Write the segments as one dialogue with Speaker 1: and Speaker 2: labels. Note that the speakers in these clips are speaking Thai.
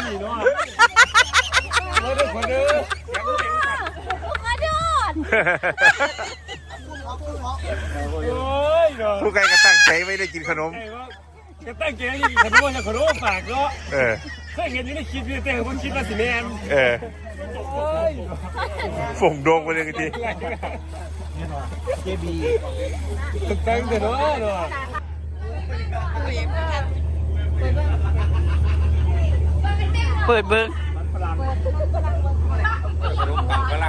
Speaker 1: นี่เนาะมาเด้อมาเด้อมาเด้อ
Speaker 2: ผู้ใครก็ตั้งใจไม่ได้กินขนม
Speaker 1: ก็ตั้งใจกินขนมจะขนมฝากเนาะเคยเห็นอยู่ในคลิปอยู่แต่ผมคิดว่าสิแม่น
Speaker 2: ฝ่งโดงไปเลยที
Speaker 1: เจบีตั้งแต่เนาะ
Speaker 2: เปิดเบิ้งกำลัง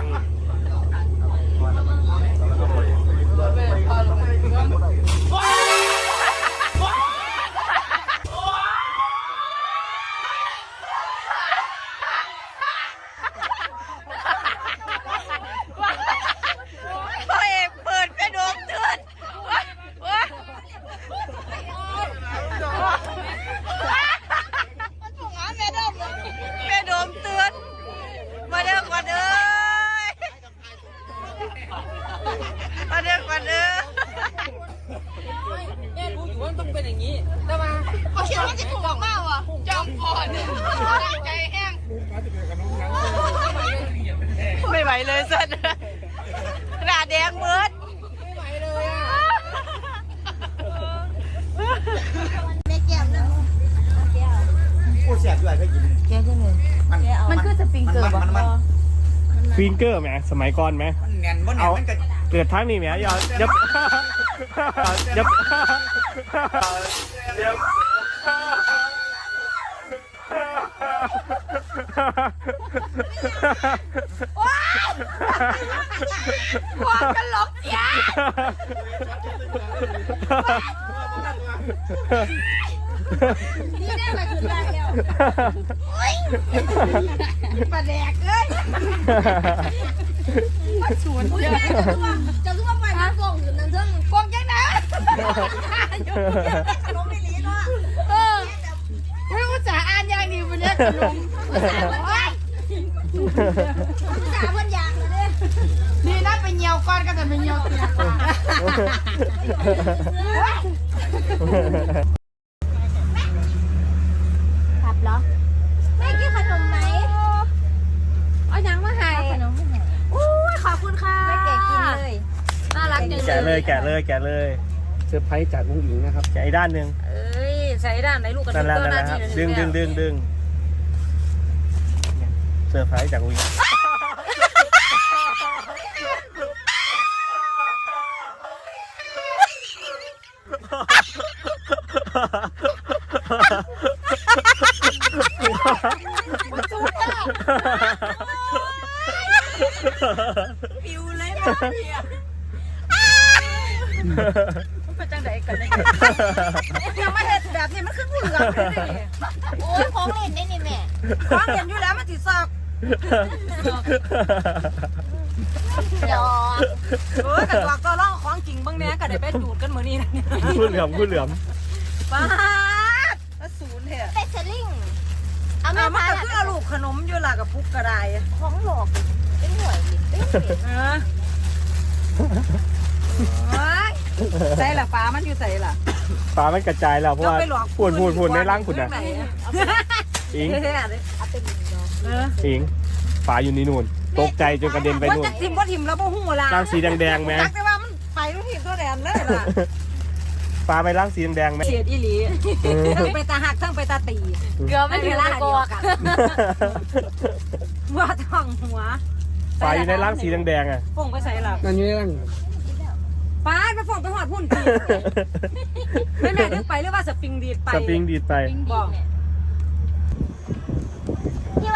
Speaker 3: ไม่ไหวเลยสัตว์หน้าแดงเบิดไม่ไหวเลยอ่ะไม่แก้มนะ
Speaker 4: ผู้เสียด้วยก็กิน
Speaker 3: แก้ใช่ไหมมันคือสปริงเกอร์
Speaker 1: ฟิงเกอร์ไหมสมัยก่อนไหม
Speaker 4: มันแน่นมันแน่นมันก็
Speaker 1: เกิดทั้งนี้ไหมอย่า
Speaker 3: ว้าวกันหลอกเสียนี่ได้มาคือได้แล้วปลาแดกเลยมาชวนเจะรู้ว่าไปน้ำฟองอยู่นั่นเถอะฟองยังไงขนมไม่ลีเนาะไม่ภาษาอ่านยังดีวันนี้ขนมภาษาเพื่อนยางเลยนี่น่าไปเหี่ยวก้อนก็จะไปเหี่ยวเตียขับเหรอไม่กินขนมไหมเอายังมาให้ขนมอุ้ยขอบคุณค่ะไม่แกกินเลยน่ารักจังเลย
Speaker 1: แกะเลยเซอร์ไพรส์จากอุ้งอิงนะครับแกะอีกด้านหนึ่ง
Speaker 3: ใส่ด้านไหนลูกกระ
Speaker 1: ดิ่งตัวหน้าที่ดึงเซอร์ไพรส์จากอุ้งอิง
Speaker 3: ปิวเลยมาเนี่ยมันเป็นจังไดกันเนี่ยยังไม่เห็นแบบนี้มันขึ้นผู้เหลืองเลยโอ้ยของเล่นได้นี่แม่ของเล่นอยู่แล้วมันติดซอกเดี๋ยวแต่ตัวก็ล่องของจริงบ้างเนี้ยก็ได้ไปจูดกันเหมือนนี้นะ
Speaker 1: พูดเหลือม
Speaker 3: ป้าศูนย์เหรอเป็ดสลิงเอามาก็คือเอาลูกขนมอยู่ล่ะกับพุกกระไดของหลอกเป็นหน่วยใส่ละปลามันอยู่ใส่ละ
Speaker 1: ปลามันกระจายแล้วเพราะว่าพูดในร่างคุณนะอิงปลาอยู่นี่นู่นตกใจจนกระเด็นไปนู่น
Speaker 3: ว่าทิมแล้วบ่หูละ
Speaker 1: ร่างสีแดงไหม
Speaker 3: แต่ว่ามันไปทุกทีตัวแดงเลยล่ะ
Speaker 1: ปลาไปร่างสีแดงไหม
Speaker 3: เฉียดอีหลีทั้งไปตาหักทั้งไปตาตีเกือบไม่ถึงละเดียวกันว่าท้องหัว
Speaker 1: ปลาอยู่ในร่างสีแดงอ่ะ
Speaker 3: ฟงไปใส่หลับ
Speaker 1: นั่นยัง
Speaker 3: ปลาไปฟงไปหอดพุ่นตีแม่ถึงไปหรือว่าสปริงดีดไปบอกพี่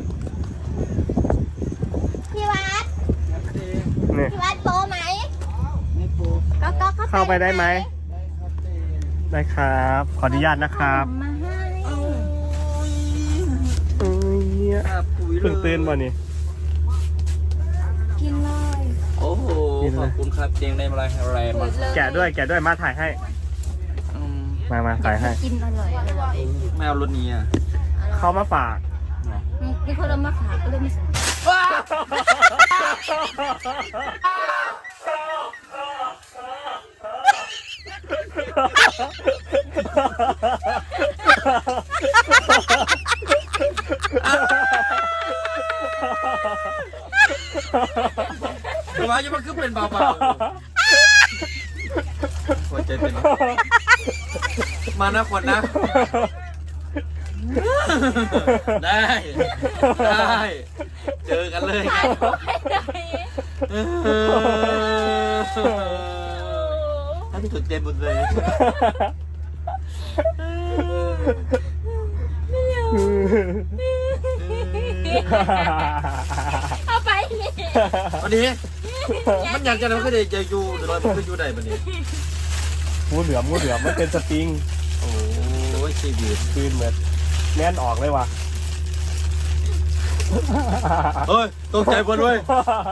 Speaker 3: วัดโปไหม
Speaker 1: ไม่โปเข้าไปได้ไหมได้ครับขออนุญาตนะครับเพิ่งตื่นมานี่
Speaker 3: กินเลย
Speaker 4: โอ้โหขอบคุณครับเตียงได้มาอะไรมา
Speaker 1: แกะด้วยมาถ่ายให้มาถ่ายให้
Speaker 3: กินอร่อย
Speaker 4: ไม่เอารถนี้อ่ะ
Speaker 1: เขามาฝาก
Speaker 3: นี่คนเอามาฝากก็เลยไม่ใส่
Speaker 4: ว่าจะมันคือเป็นเบาๆหัวใจเป็นมานะคนนะได้เจอกันเลยถ้าที่สุดเต็มหมดเลย
Speaker 3: เอาไปนี่
Speaker 4: วันนี้มันอยากจะทำก็ได้จะอยู่เดี๋ยวเราไปอยู่ได้บันนี้
Speaker 1: งูเหลือมมันเป็นสปริง
Speaker 4: โอ้ยชีวิต
Speaker 1: คืนเหมือนแน่นออกเลยว่ะ
Speaker 4: เฮ้ยตกใจหมดเลย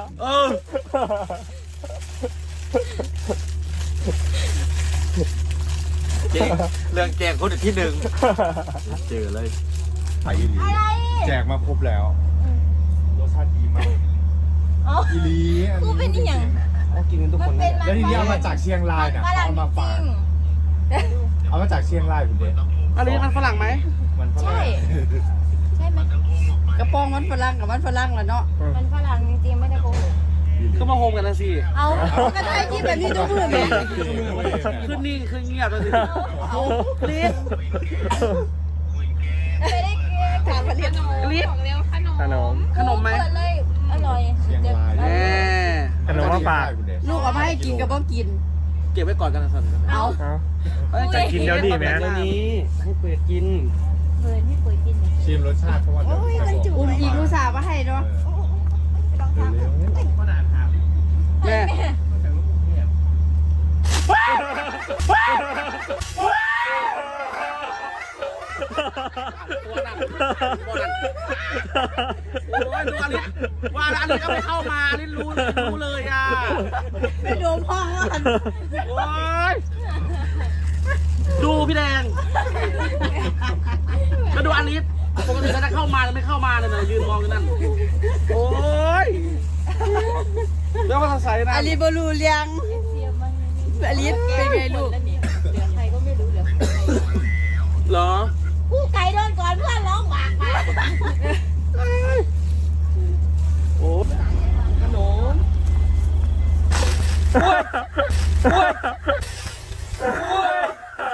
Speaker 4: เจ๊เรื่องแจกคนที่หนึ่งเจอเลยไปอีลี
Speaker 3: อะไร
Speaker 5: แจกมาครบแล้วรสชาติดีมาก
Speaker 3: อ๋อ
Speaker 5: อีลี
Speaker 3: กูเป็นอีหยัง
Speaker 1: กินกันทุก
Speaker 3: มั
Speaker 1: คน น
Speaker 3: เป็น
Speaker 5: แล้วทีนี้เอามาจากเชียงรายเนี่ย
Speaker 3: ฝรั่ง
Speaker 5: เอามา
Speaker 3: จ
Speaker 5: ฝาก
Speaker 3: ริง
Speaker 5: เอามาจากเชียงรายคุณเด็ก
Speaker 1: อันนี้มันฝรั่งไหม
Speaker 5: มันฝ
Speaker 3: ใช่
Speaker 5: รั่ง
Speaker 3: ใช่ไหม
Speaker 6: กระโปรงมันฝรั่งกับมันฝรั่งแหละเนาะ
Speaker 3: มันฝรั่งจริงๆไม่ได้โกหก
Speaker 1: ก็มาโฮมกันนะสิ
Speaker 3: เอา
Speaker 6: ก็ได้ที่แบบนี้ต้องพูดไหม
Speaker 1: ขึ้นนี่ขึ้นเงียบแล้วสิรีบ
Speaker 3: ไม่ได้กิน
Speaker 6: ถามผลิต
Speaker 1: รีบขนมไหม
Speaker 3: เปิดเลยอร่อย
Speaker 5: เชียงราย
Speaker 1: แน่ขนมมาฝาก
Speaker 5: คุณเด็ก
Speaker 6: ลูกเอามาให้กินกับบ่กิน
Speaker 1: เก็บไว้ก่อนกันนะสัน
Speaker 6: เอา
Speaker 1: จะกินเดี๋ยวนี้ไหมเดี๋ยวนี้ให้เปิดกิน
Speaker 3: เปิดให้เปิดกิน
Speaker 5: ชิมรสชาติเพราะว่าเดี๋ยวจะบอก
Speaker 6: อุ้มยิงลูกสาวมาให้เนาะ
Speaker 1: แม่ โอ้ยดูอลิสว่าอลิสก็ไม่เข้ามาอลิสรู้เลยอ่ะ
Speaker 6: ไปโดมห้องว่า
Speaker 1: โอ้ยดูพี่แดงมาดูอลิสปกติเขาจะเข้ามาแล้วไม่เข้ามาเลยนะยืนมองอยู่นั่นโอ้ยเรื่องภาษาไทยนะ
Speaker 6: อลิบรูเลียงอลิสเป็นไงลูก
Speaker 3: เหลือใครก็ไม่รู้เหลือ
Speaker 1: เหรอ
Speaker 3: กูไก่โดนก่อนเพื่อนร้องหวากมา
Speaker 1: โอ้ขนมโอ้ยโอ้ยโอ้ย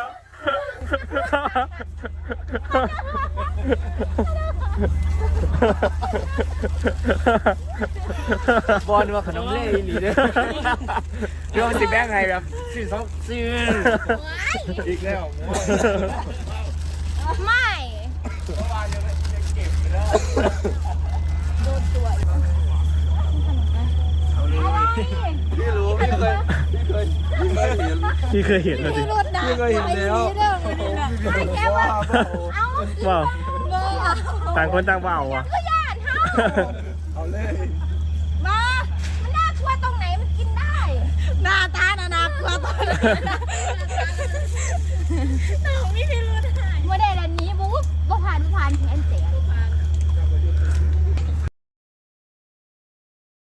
Speaker 1: บอลว่าขนมเล่อีหลีเด้อเดี๋ยวมันสิแบ่งให้แบบซื้อสองซื้ออีกแล้ว
Speaker 3: ไม่โดนตัวอะไร
Speaker 4: พี่รู้พี่เคยเห็น
Speaker 1: พี่เคยเห็นแล้วสิ
Speaker 3: รถด่า
Speaker 4: พี่เคยเห็นแล้ว
Speaker 3: แกว่าเอ้า
Speaker 1: ว้าว
Speaker 3: เบอร์
Speaker 1: ต่างคนต่างว่าวอ่ะ
Speaker 3: ก็ญาติเฮา
Speaker 5: เอาเลย
Speaker 3: มามันน่ากลัวตรงไหนมันกินได้
Speaker 6: หน้าตาน่ากลัวตอนนี้
Speaker 3: น้องไม่มีรถหายเมื่อใดแล้วนี้บุ๊บบ่ผ่านแผนเสีย